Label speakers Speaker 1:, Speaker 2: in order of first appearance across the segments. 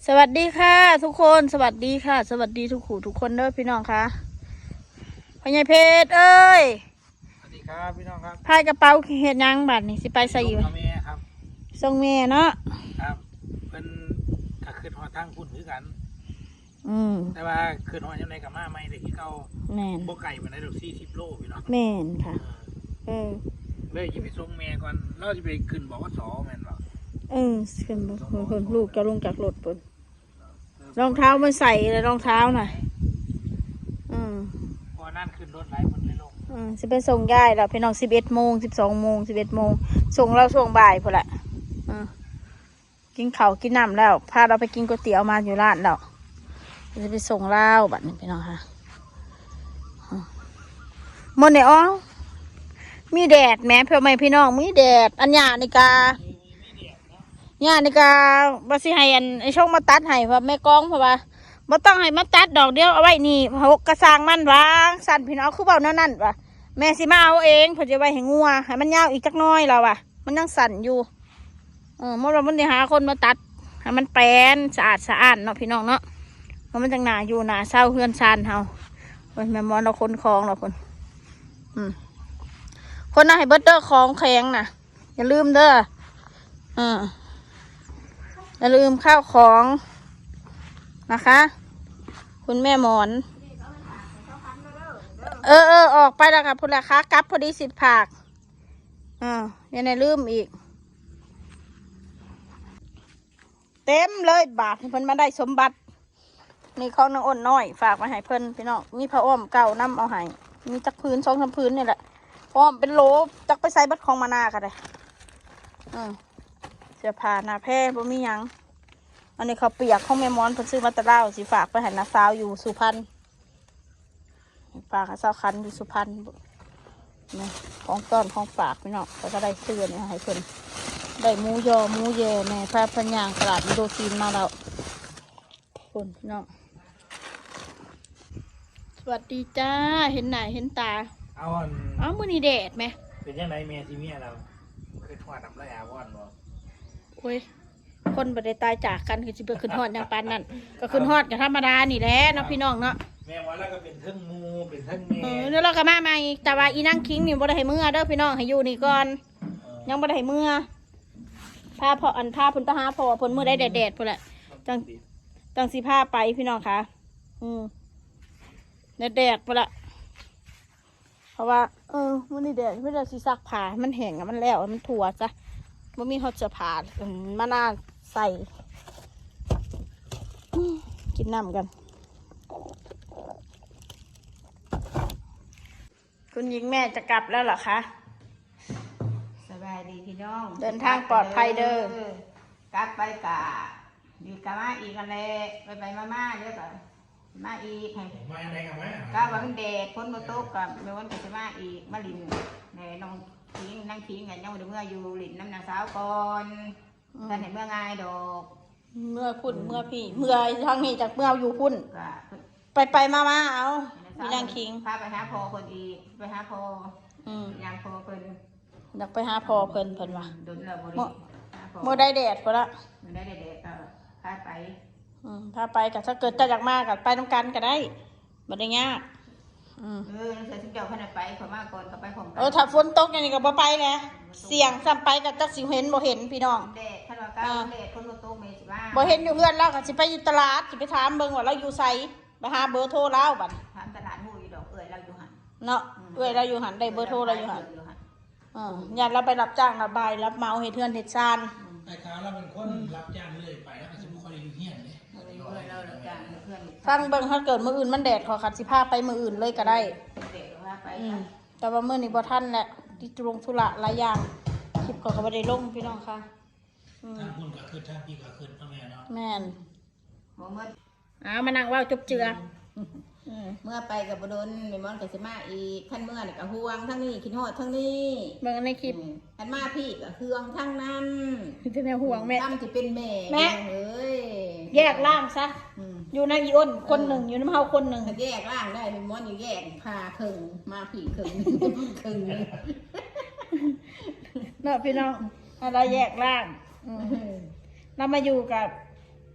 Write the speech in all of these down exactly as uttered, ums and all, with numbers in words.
Speaker 1: สวัสดีค่ะทุกคนสวัสดีค่ะสวัสดีทุกขู่ทุกคนเด้อพี่น้องค่ะพ่อใหญ่เพชรเอ้ย
Speaker 2: สวัสดีครับพี่น้องครับ
Speaker 1: พายกระเป๋าเฮ็ดยังบัดนี่สิไปใส่อยู่
Speaker 2: ส่งแม่ครับ
Speaker 1: ส่งแม่เนาะ
Speaker 2: ครับเพิ่นก็ขึ้นหอทางพุ่นคือกัน
Speaker 1: อืม
Speaker 2: แต่ว่าขึ้นหอยังไงกับมาไม่ได้ที่เก่า
Speaker 1: แม่น
Speaker 2: บ่ไก่มาได้ดอกสี่สิบโลพี่น้อง
Speaker 1: แม่นค่ะเออ
Speaker 2: เลยจะไปส่งแม่ก่อนเราจะไปขึ้นบอกว่าสอแม่นบ่
Speaker 1: เออขึ้นเพิ่นลูกจะลงจากรถเพิ่นรองเท้ามันใส่เลยรองเท้าน่ะอืม
Speaker 2: พอนั่นขึ้นรถไหลมันเลยลง
Speaker 1: อืมสิไปส่งยายแล้วพี่น้องสิบเอ็ดโมงสิบสองโมงสิบเอ็ดโมงส่งเราส่งบ่ายพุ่นแหละอืมกินข้าวกินน้ำแล้วพาเราไปกินก๋วยเตี๋ยวมาอยู่ร้านแล้วจะไปส่งเล่าบัดนี้พี่น้องค่ะมนเนี่ยอ๋อมีแดดแม้เพื่อไม่พี่น้องมีแดดอันหยาในกาหยาในกาบาสิให้อันไอช่องมาตัดให้เพราะแม่กองเพราะว่าบ่ต้องให้มาตัดดอกเดียวเอาไว้นี่หกกระซังมันวางสั่นพี่น้องคือเบาแนวนั้นว่ะแม่สิมาเอาเองเพื่อจะไว้ให้งัวให้มันยาวอีกจักน้อยเราว่ะมันยังสั่นอยู่เออเมื่อเรามันจะหาคนมาตัดให้มันแปลนสะอาดสะอาดเนาะพี่น้องเนาะมันจังหนาอยู่หนาเศร้าเฮือนชานเฮาแม่มอนเราคนคลองเราคนอืมคนน่ะให้เบิร์ดเดอร์คลองแข็งน่ะอย่าลืมเด้ออ่าอย่าลืมข้าวของนะคะ คุณแม่หมอนเออเออออกไปแล้วค่ะพุ่นละคะกลับพอดีสิบผักอ่าอย่าในลืมอีกเต็มเลยบาทเพิ่นมาได้สมบัตินี่ของนางอ้นน้อยฝากมาให้เพิ่นพี่น้องมีผ้าอ้อมเก่าน้ำเอาให้มีจักพื้นสองสามพื้นนี่แหละอ้อมเป็นโหลจักไปใส่บัดของมานากันเลยอืมเสื้อผ้าหน้าแพร่บ่มีหยังอันนี้เขาเปียกของแม่มอนเพิ่นซื้อมาตะเล่าสิฝากไปให้น้าสาวอยู่สุพรรณฝากให้สาวคันอยู่สุพรรณนี่ของต้อนของฝากพี่น้องเขาก็ได้เสื้อนี่ให้เพิ่นได้หมูยอหมูแย่แม่พาพันยางตลาดอินโดจีนมาแล้วคนพี่น้องสวัสดีจ้าเห็นหน้าเห็นตา
Speaker 2: เอาอัน
Speaker 1: อ้าวมื้อนี้แดดไหม
Speaker 2: เป็นยังไงแม่ที่เมียเราเคยทอดน้ำลายอาว่อนบ่
Speaker 1: โอ้ยคนบ่ได้ตายจากกันคือสิไปขึ้นฮอดอย่างปานนั้นก็ขึ้นฮอดกับธรรมดานี่แหละเนาะพี่น้องเนาะ
Speaker 2: แม่ว่าแล้วก็เป็นเทิงมูเป็นเทิงแม่
Speaker 1: เออเดี๋ยวเราก็มาใหม่แต่ว่าอีนั่งคิงนี่บ่ได้ให้เมื่อเด้อพี่น้องให้อยู่นี่ก่อนยังบ่ได้ให้เมื่อพาพออันพาเพิ่นไปหาพอเพิ่นมื้อได้แดดๆพุ่นแหละจังจังสิพาไปพี่น้องค่ะอืมแดดๆพุ่นละเพราะว่าเออมื้อนี้แดดเพิ่นจะสิซักผ้ามันแห้งอ่ะมันแล้วมันทั่วจ้ะบ่มีฮอดเสื้อผ้ามาน่าใส่กินน้ำกันคุณหญิงแม่จะกลับแล้วเหรอคะ
Speaker 3: สบายดีพี่น้อง
Speaker 1: เดินทางปลอดภัยเด้อก
Speaker 3: ลับไปกะดีกะมาอีกกันเลยไปไปมามาเดี๋ยวก็มาอีกให้
Speaker 2: มาอะไรกันไหม
Speaker 3: ก็ว่ามันแดดพ้นมาตกกับเมื่อวันก็จะมาอีกมาลินในน้องทิ้งนั่งทิ้งกันยังไม่ได้เมื่ออยู่ลินน้ำนางสาวก่อนท่านเห็นเมื่อไงดอก
Speaker 1: เมื่อพุ่นเมื่อพี่เมื่อทางนี้จากเมื่ออยู่พุ่น
Speaker 3: ก็
Speaker 1: ไปไปมามาเอามีนางคิง
Speaker 3: พาไปหาพอคนอีกไปหาพอ
Speaker 1: อืม
Speaker 3: ยังพอเพิ่น
Speaker 1: อยากไปหาพอเพิ่นเพิ่นว่ะ
Speaker 3: โดนเราบริ
Speaker 1: เมื่อได้แดดพอละ
Speaker 3: มันได้แดดก็พาไป
Speaker 1: อืมถ้าไปกับถ้าเกิดจะอยากมากกับไปต้องกันก็ได้บ่ได้ยากอืม
Speaker 3: เออใส่ชุดเจ้าขนาดไปขอมาก่อนก็ไปผมกัน
Speaker 1: เออถ้าฝนตกอย่างนี้ก็บ่ไปไงเสี่ยงซ้ำไปกับจักสิเห็นบ่เห็นพี่น้อง
Speaker 3: แดดขนาดก้าวแดดคนโตโตเมสิบ้า
Speaker 1: บ่เห็นอยู่เพื่อนแล้วก็สิไปอยู่ตลาดสิไปถามเบิ่งว่าเราอยู่ไสไปหาเบอร์โทรเราบัด
Speaker 3: ถามตลาดหูอยู่ดอกเอ่ยเราอยู่หัน
Speaker 1: เนาะเอ้ยเราอยู่หันได้เบอร์โทรเราอยู่หันอ่าญาติเราไปรับจ้างระบายรับเหมาเฮ็ดเทือนเฮ็ดซาน
Speaker 2: แต่ขาเราเป็นคนรับจ้างเลยไปแล้วก็จะไม่ค่อยได้อยู่เฮียนเลย
Speaker 3: เพื่อนเราเราจ้างเพื่อน
Speaker 1: ฟังเบิ่งถ้าเกิดมื้ออื่นมันแดดขอขัดสิพาไปมื้ออื่นเลยก็ได้
Speaker 3: เด็กว่าไป
Speaker 1: อืมแต่ว่ามื้อนี้บ่ทันแหละที่ตรงธุระหลายอย่างคลิปเขาก็บ่ได้ลงพี่น้องค่ะอืม
Speaker 2: ทางพุ่นก็ขึ้นทางพี่ก็ขึ้นพ่อแม่เนาะ
Speaker 1: แม่น
Speaker 3: เมื่อ
Speaker 1: อ้าวมานั่งเว้าจบเจืออืม
Speaker 3: เมื่อไปกับบดนเมมอนกับสิมาอีกขั้นเมื่อนี่กับห่วงทั้งนี้คิดฮอดทั้งนี้
Speaker 1: เบิ่งในคลิป
Speaker 3: ขั้นมาพี่กับเครื่องทั้งนั้น
Speaker 1: ที่แนวห่วงแม่
Speaker 3: ตั้มจะเป็นแม่
Speaker 1: แม่
Speaker 3: เอ้ย
Speaker 1: แยกร่างซะอยู่ในอีอ้นคนหนึ่งอยู่ในเฮาคนหนึ่ง
Speaker 3: ถ้าแยกร่างได้เมมอนอยู่แยกพาครึ่งมาพี่ครึ่งครึ่ง
Speaker 1: เนาะพี่น้องอะไรแยกร่างอืมเรามาอยู่กับ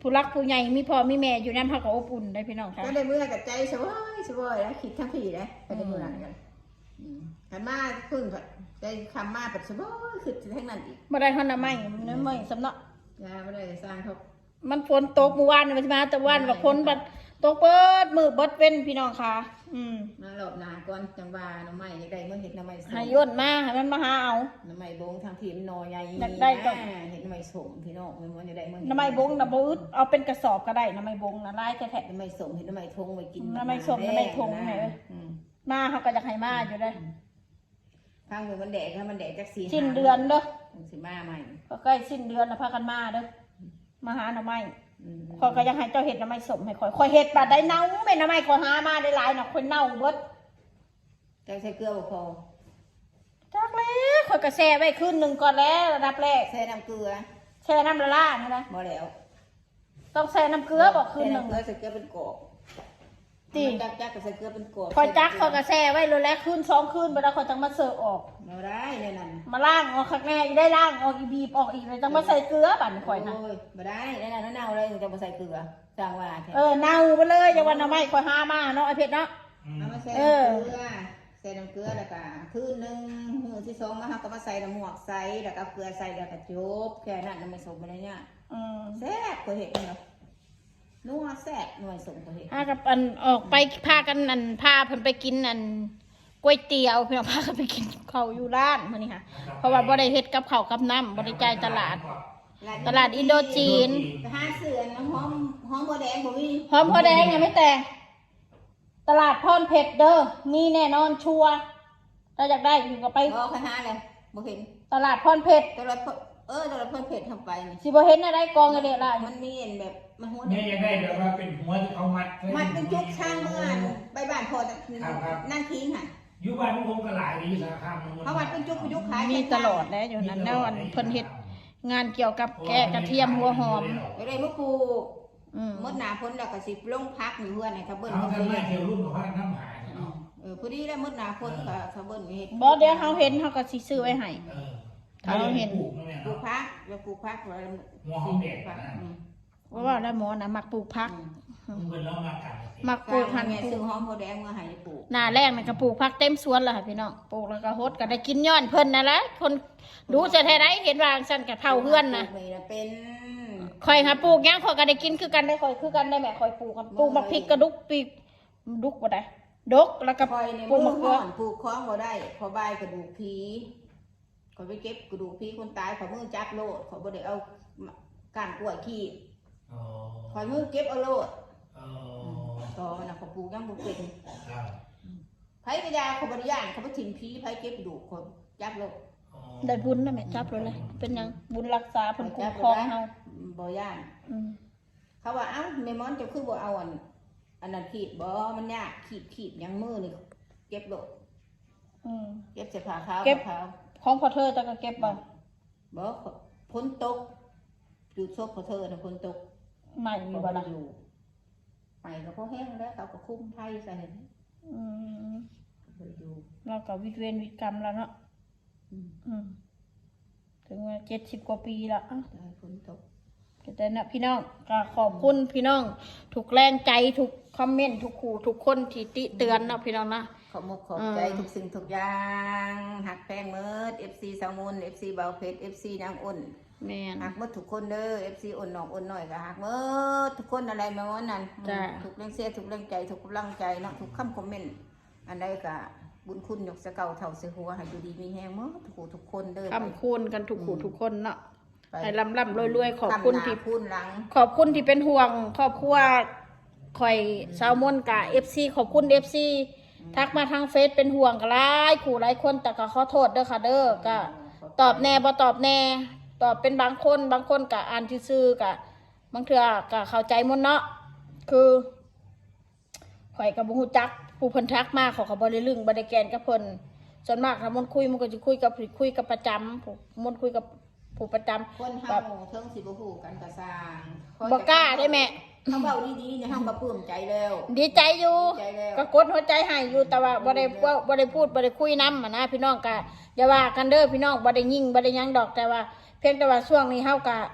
Speaker 1: ผู้รักผู้ใหญ่มีพ่อมีแม่อยู่นั่นเฮาก็อบอุ่นได้พี่น้องค่ะ
Speaker 3: ก็ได้เมื่อกับใจสบายสบายแล้วคิดทั้งผีเลยไปได้เมื่อไหร่กันหันมาพึ่งใจคำมาแบบสบายคือทั้งนั้นอีก
Speaker 1: บ่ได้ฮอนน่ะไม่น้ำไม่สำเนาะ
Speaker 3: ยาไม่ได้สร้างเขา
Speaker 1: มันฝนตกเมื่อวานนี่มันสิมาแต่วันว่าฝนบัดตกเบิดมือเบิดเว้นพี่น้องค่ะอืม
Speaker 3: มาหลบหนาก่อนจังหวะน้ำไม้ยังได้เมื่อเห็นน้ำไม้ส่ง
Speaker 1: ให้ย่นมาให้มันมาหาเอา
Speaker 3: น้ำไม้บงทางทีมนอใหญ่
Speaker 1: อยากได้ก็
Speaker 3: เห็นน้ำไม้ส่งพี่น้องมันมันจะได้เมื่อ
Speaker 1: น้ำไม้บงน่ะบ่อึดเอาเป็นกระสอบก็ได้น้ำไม้บงน่ะลายแท้
Speaker 3: น้ำไม้ส่งเห็นน้ำไม้ทงไว้กิน
Speaker 1: น้ำไม้ส่งน้ำไม้ทงไหนเว้ย ๆมาเฮาก็อยากให้มาอยู่ได้
Speaker 3: ทางมือมันแดดถ้ามันแดดจักสี
Speaker 1: สิ้นเดือนเด้อ
Speaker 3: สิมาใหม่
Speaker 1: ก็ใกล้สิ้นเดือนน่ะพากันมาเด้อมาหาหน่อไม้ข่อยก็ยังให้เจ้าเฮ็ดหน่อไม้สมให้ข่อยข่อยเฮ็ดบาดได้เน่าแม่หน่อไม้ข่อยหามาได้หลายน่ะข่อยเน่าเบิด
Speaker 3: ใจใส่เกลือบ่พอ
Speaker 1: จักแล้วข่อยก็แช่ไว้คืนหนึงก่อนแล้วระดับแรก
Speaker 3: ใส่น้ำเกลือ
Speaker 1: แช่น้ำละลายนี่นะ
Speaker 3: บ่แล้ว
Speaker 1: ต้องแช่น้ำเกลือบ่คืนหนึง
Speaker 3: ใส่น้ำเกลือใส่เกลือเป็นกอก
Speaker 1: ติ
Speaker 3: จักจักกับใส่เกลือเป็นกอก
Speaker 1: ข่อยจักข่อยก็แช่ไว้เลยแล้วคืนสองคืนบ่ได้ข่อยจังมาเสิร์ฟออก
Speaker 3: บ่ได้เนี่ยนั่น
Speaker 1: มาล้างออกข้างแน่อีได้ล้างออกอีบีบออกอีกเลยจังมาใส่เกลือบัดนี้ข่อยนะ
Speaker 3: โอ้ยบ่ได้เนี่ยนั่นเน่าเลยจะบ่ใส่เกลือสร้างว่าแท้
Speaker 1: เออเน่าไปเลยจังว่าหน่อไม้ข่อยหามาเนาะไอ้เพชรเนาะ
Speaker 3: เอามาใส่
Speaker 1: เอ
Speaker 3: น้ำ
Speaker 1: อ
Speaker 3: เกลือใส่น้ำเกลือแล้วก็คืนนึงมื้อที่สองมาเฮาก็มาใส่น้ำหมวกใส่แล้วก็เกลือใส่แล้วก็จบแค่นั้นไม่สมบ่ได้เนี่ย
Speaker 1: อืม
Speaker 3: แซ่บก็เห็นเนาะนัวแซ่บหน่วยสมก็เห็น
Speaker 1: พากับอันออกไปพากันอันพาเพิ่นไปกินอันก๋วยเตี๋ยวเพิ่นพากันไปกินข้าวอยู่ร้านมื้อนี้ค่ะเพราะว่าบ่ได้เฮ็ดกับข้าวกับน้ำบ่ได้จ่ายตลาด ตลาดอินโดจีน
Speaker 3: ไปหาเสือน้ำหอมหอมบัวแดงบ่มี
Speaker 1: หอมพอแดงยังไม่แต่งตลาดพรเพชรเด้อมีแน่นอนชัวร์ถ้าอยากได้อยู่ก็ไป
Speaker 3: บ่คณะเลยบ่เห็น
Speaker 1: ตลาดพรเพชร
Speaker 3: ตลาดเพิ่นเออตลาดเพิ่นเผ็ดทำไปนี่
Speaker 1: สิบ่เห็นอะไรกองกันเด้ล่ะ
Speaker 3: มันมีเห็นแบบมันหัว
Speaker 2: แม่ยังได้แบบว่าเป็นหัวที่เขามัดไว้
Speaker 3: มันเป็นจุกช่างเมื่อนใบบ้านพอจะ
Speaker 2: ครับครับ
Speaker 3: นั่งทิ้งค่ะ
Speaker 2: อยู่บ้านผมก็หลายดีสารคามมัน
Speaker 3: เพราะมันเป็นจุกเป็นจุกขาย
Speaker 1: มีตลอดแล้วอยู่นั้นแล้วอันเพิ่นเฮ็ดงานเกี่ยวกับแกะกระเทียมหัวหอม
Speaker 3: ก็ได้มาปลูก
Speaker 1: อืม
Speaker 3: มดหนาพ้นแล้วก็สิลงพักอยู่เพื่อนให้เขาเบิ้ล
Speaker 2: เอา
Speaker 3: เขา
Speaker 2: ทำไม
Speaker 3: เบิ้ล
Speaker 2: เที่ยวรุ่นกับพระน้ำหายเนาะ
Speaker 3: เออพอดีแล้วมดหนาพ้นก็เขาเบิ้ลเฮ็ด
Speaker 1: บ่เดี๋ยวเฮาเห็นเฮาก็สิซื้อไว้ให้
Speaker 2: เออ
Speaker 1: ถ้าเราเห็น
Speaker 2: ปลูกนะแม่
Speaker 3: ปลูก
Speaker 2: เนาะ
Speaker 3: พักแล้วปลูกพักไว้
Speaker 2: หัวหอมแดง
Speaker 3: พัก
Speaker 2: นะ
Speaker 3: อืม
Speaker 1: ว่าว่าแล้วหมอน่ะมักปลูกผัก
Speaker 2: มึงเป็นแล้วมากัน
Speaker 1: มักป
Speaker 3: ป
Speaker 1: ลู
Speaker 3: ลู
Speaker 1: ก
Speaker 3: ก
Speaker 1: หั
Speaker 3: หั
Speaker 1: น
Speaker 3: น
Speaker 1: ป
Speaker 3: แม่
Speaker 1: ลู
Speaker 3: ซื้อก หอมโพแดงมาให้ปลูก
Speaker 1: หน้าแรกน่ะก็ปลูกผักเต็มสวนแล้วค่ะพี่น้องปลูกแล้วก็ฮดก็ได้กินย้อนเพิ่นนั่นแหละคนดูจะแท้ใดเห็นว่าซั่นก็เท่าเฮือนน่ะ
Speaker 3: ปลูกนี่นะเป็น
Speaker 1: ข่อยหาปลูกหยังข่อยก็ได้กินคือกันได้ข่อยคือกันได้แม่ข่อยปลูกกันปลูกมักพริกกระดุกปีกดุกบ่ได้ดกแล้วก็
Speaker 3: คอยใน
Speaker 1: ปลู
Speaker 3: มื
Speaker 1: ก
Speaker 3: อ
Speaker 1: มะเขื
Speaker 3: ห่
Speaker 1: อ
Speaker 3: อนปลูกคล้องบ่ได้พอบายกระดูกผีคอยไปเก็บกระดูกผีคนตายขอมือจับโลดขอบ่ได้เอาก้านกล้วยขี้
Speaker 2: อ๋อ
Speaker 3: คอยมือเก็บเอาโลด
Speaker 2: อ๋อ
Speaker 3: ต่อมันน่ะเขาปลูกยังบ่เป็น
Speaker 2: ครับ
Speaker 3: ไผกระยาเขาบ่ได้ย่านเขาบ่ถิ่มผีไผเก็บกระดูกคนจับโลด
Speaker 2: อ๋อ
Speaker 1: ได้บุญนะแม่จับเลยเลยเป็นหยังบุญรักษาเพิ่นคุ้มครองเฮา
Speaker 3: บ่ย่าน
Speaker 1: อืม
Speaker 3: เขาว่าเอ้าแม่มอนเจะคือบ่เอาอันอันนั้นขีดบ่มันยากขีดขีดยังมือนี่เก็บโลด
Speaker 1: อืม
Speaker 3: เก็บเสื้อผ้าขาว
Speaker 1: เก็บ
Speaker 3: ขาว
Speaker 1: ของพ่อเธอจะก็เก็บบ่
Speaker 3: บ่พ้นตกจุดซบของเธอน่ะพ้นตก
Speaker 1: ใหม่มีบ่ล่ะ
Speaker 3: อยู่ไปก็พอแห้งแล้วเขาก็คุ้มไทยใส่
Speaker 1: อืม
Speaker 3: บ่อยู่
Speaker 1: เราก็วิตเวรวิตกรรมแล้วเนาะ
Speaker 3: อืม
Speaker 1: อืมถึงว่าเจ็ดสิบกว่าปีแล้วอ่ะ
Speaker 3: ได้พ้นตก
Speaker 1: แต่นะพี่น้องก็ขอบคุณพี่น้องถูกแรงใจถูกคอมเมนต์ทุกขู่ทุกคนที่ติเตือนเนาะพี่น้องนะ
Speaker 3: ขอบมกขอบใจ
Speaker 1: อืม
Speaker 3: ทุกสิ่งทุกอย่างหักแพงเมิด เอฟ ซี สาวมุน เอฟ ซี เบาเพชร เอฟ ซี นางอ้น
Speaker 1: แม่น
Speaker 3: หักหมดทุกคนเด้อ เอฟ ซี อ้นน้องอ้นน้อยก็หักหมดทุกคนอะไรมาวันนั้น
Speaker 1: จ้ะ
Speaker 3: ทุกแรงเสียทุกแรงใจทุกกำลังใจเนาะทุกคำคอมเมนต์อันใดก็บุญคุณยกสะเก่าเท่าเสหัวให้อยู่ดีมีแฮงหมดทุกผู้ทุกคนเด้อ
Speaker 1: คำคูณกันทุกขู่ทุกคนเนาะ
Speaker 3: ไป
Speaker 1: ให้ลำลำรวยๆขอบคุณที่
Speaker 3: ทำหน้าพูนหลัง
Speaker 1: ขอบคุณที่เป็นห่วงครอบครัวข่อยสาวมนกะเอฟซีขอบคุณเอฟซีทักมาทางเฟซเป็นห่วงกันหลายขู่หลายคนแต่ก็ขอโทษเด้อค่ะเด้อก็ตอบแน่บ่ตอบแน่ตอบเป็นบางคนบางคนกะอ่านซื่อๆกะบางเทื่อกะเข้าใจหมดเนาะคือข่อยกับบุฮูจักผู้เพิ่นทักมาเขาก็บ่ได้ลึงบ่ได้แกนกับเพิ่นส่วนมากถ้ามันคุยมันก็สิคุยกับคุยกับประจำผู้มันคุยกับผู้ประจำ
Speaker 3: คนเฮาเทิงสิบ่ฮู้กันก็สร้าง
Speaker 1: บ่กล้าได้แม่
Speaker 3: เขาเว้าดีๆเนี่ยเฮาก็ปลื้มใจแล้ว
Speaker 1: ดีใจอยู่
Speaker 3: ดีใจแล้ว
Speaker 1: ก็กดหัวใจให้อยู่แต่ว่าบ่ได้เว้าบ่ได้พูดบ่ได้คุยนำนะพี่น้องก็อย่าว่ากันเด้อพี่น้องบ่ได้ยิงบ่ได้หยังดอกแต่ว่า เพียงแต่ว่าช่วงนี้เฮาก็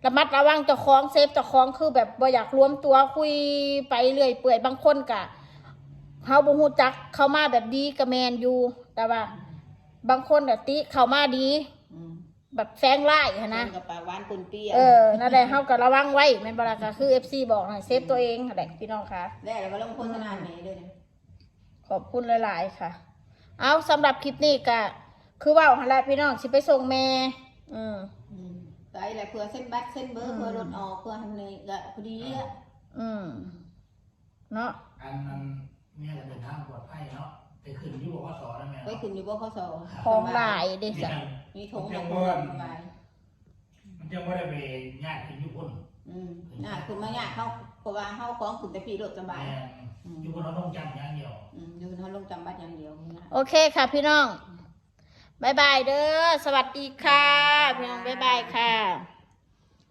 Speaker 1: ระมัดระวังเจ้าของเซฟเจ้าของคือแบบบ่อยากรวมตัวคุยไปเรื่อยเปื่อยบางคนกะเฮาบ่ฮู้จักเข้ามาแบบดีก็แม่นอยู่แต่ว่า บางคนน่ะติเข้ามาดี
Speaker 3: อืม
Speaker 1: แบบแฝงร้ายหั้นนะ
Speaker 3: กับปากหวานกุนเปรี้ยว
Speaker 1: เออนั่นแหละเฮาก็ระวังไว้แม่นบ่ล่ะก็คือ เอฟ ซี บอกให้เซฟตัวเองนั่นแหละพี่น้องค่ะ
Speaker 3: แล้วเราก็ลงโฆษณาแม่ด้วยนะ
Speaker 1: ขอบคุณหลายๆค่ะ เอาสำหรับคลิปนี้ก็คือเว่าหั่นแหละพี่น้องสิไปส่งแม่ อืม
Speaker 3: อืมไปอะไรเพื่อเส้นบัตรเส้นเบอร์เพื่อรถออกเพื่อทำเลยก็พอดีอ่ะ
Speaker 1: อืมเนาะ
Speaker 2: อันนั้นแม่จะเดินทางปลอดภัยเนาะไปขึ้นที่บอกว่าสอนนะแม่
Speaker 3: ไปขึ้นอยู่บ่ข้อสอบ
Speaker 1: ของหลายเด้
Speaker 2: มี
Speaker 1: จ้ะ
Speaker 2: ทาง
Speaker 3: มีถง
Speaker 2: จั
Speaker 3: มาง
Speaker 2: ห
Speaker 3: คุ
Speaker 2: วัด
Speaker 3: สบาย
Speaker 2: มันจะไม่ได้ไปญาติขึ้นยุคน
Speaker 3: อืมน่าคุณมาเนี่ยเขาเพราะว่าเขาของขึ้นแต่พี่รถสบาย
Speaker 2: แม่ยุคนเราต้องจำอย่างเดียว
Speaker 3: อืมอยู่เขาลงจำบัตรอย่างเดียวนะ
Speaker 1: โอเคค่ะพี่น้องบายบายเด้อสวัสดีค่ะ พี่น้องบายบายค่ะ